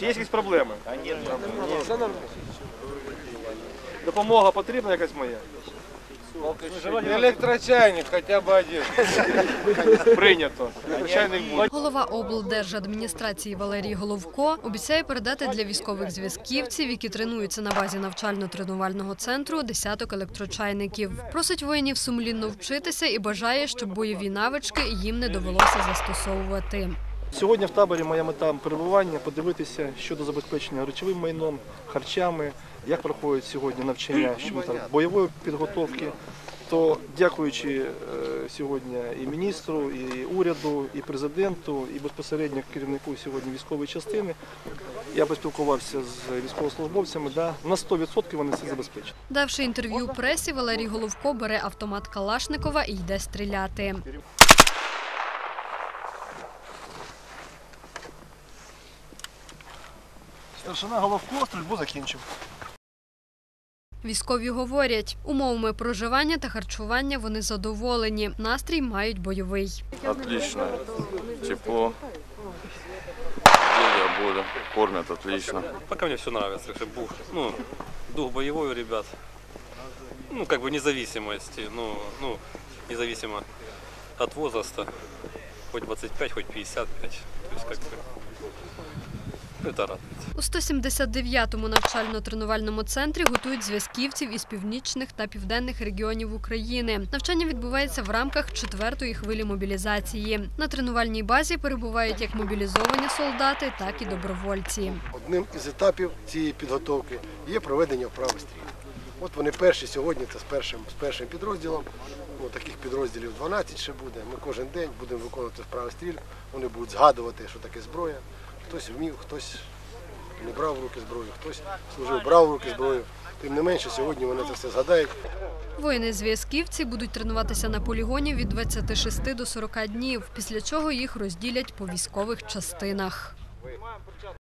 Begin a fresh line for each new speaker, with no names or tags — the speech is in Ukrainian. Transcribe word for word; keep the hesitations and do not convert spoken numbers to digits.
Чи є якісь проблеми? Допомога потрібна якась моя?
Електрочайник хоча б один.
Прийнято. Електрочайник буде.
Голова облдержадміністрації Валерій Головко обіцяє передати для військових зв'язківців, які тренуються на базі навчально-тренувального центру, десяток електрочайників. Просить воїнів сумлінно вчитися і бажає, щоб бойові навички їм не довелося застосовувати.
Сьогодні в таборі моя мета перебування – подивитися щодо забезпечення речовим майном, харчами, як проходять сьогодні навчання щодо там, бойової підготовки. То дякуючи е, сьогодні і міністру, і уряду, і президенту, і безпосередньо керівнику сьогодні військової частини, я поспілкувався з військовослужбовцями, да, на сто відсотків вони це забезпечать.
Давши інтерв'ю пресі, Валерій Головко бере автомат Калашникова і йде стріляти.
Старшина Головко стрільбу закінчив.
Військові говорять, умовами проживання та харчування вони задоволені, настрій мають бойовий.
Отлично. Тепло. Где я буду? Кормят отлично.
Пока мне все нравится. Бух, ну, дух боевой у ребят. Ну, как бы независимости. Ну, ну, независимо от возраста. Хоть двадцять п'ять, хоть п'ятдесят п'ять. То есть, как бы, это радует.
У сто сімдесят дев'ятому навчально-тренувальному центрі готують зв'язківців із північних та південних регіонів України. Навчання відбувається в рамках четвертої хвилі мобілізації. На тренувальній базі перебувають як мобілізовані солдати, так і добровольці.
Одним із етапів цієї підготовки є проведення вправи стрільби. От вони перші сьогодні, це з першим, з першим підрозділом. Ну, таких підрозділів дванадцять ще буде. Ми кожен день будемо виконувати вправи стрільб. Вони будуть згадувати, що таке зброя. Хтось вмів, хтось не брав в руки зброю, хтось служив, брав в руки зброю. Тим не менше, сьогодні вони це все згадають.
Воїни-зв'язківці будуть тренуватися на полігоні від двадцяти шести до сорока днів, після чого їх розділять по військових частинах.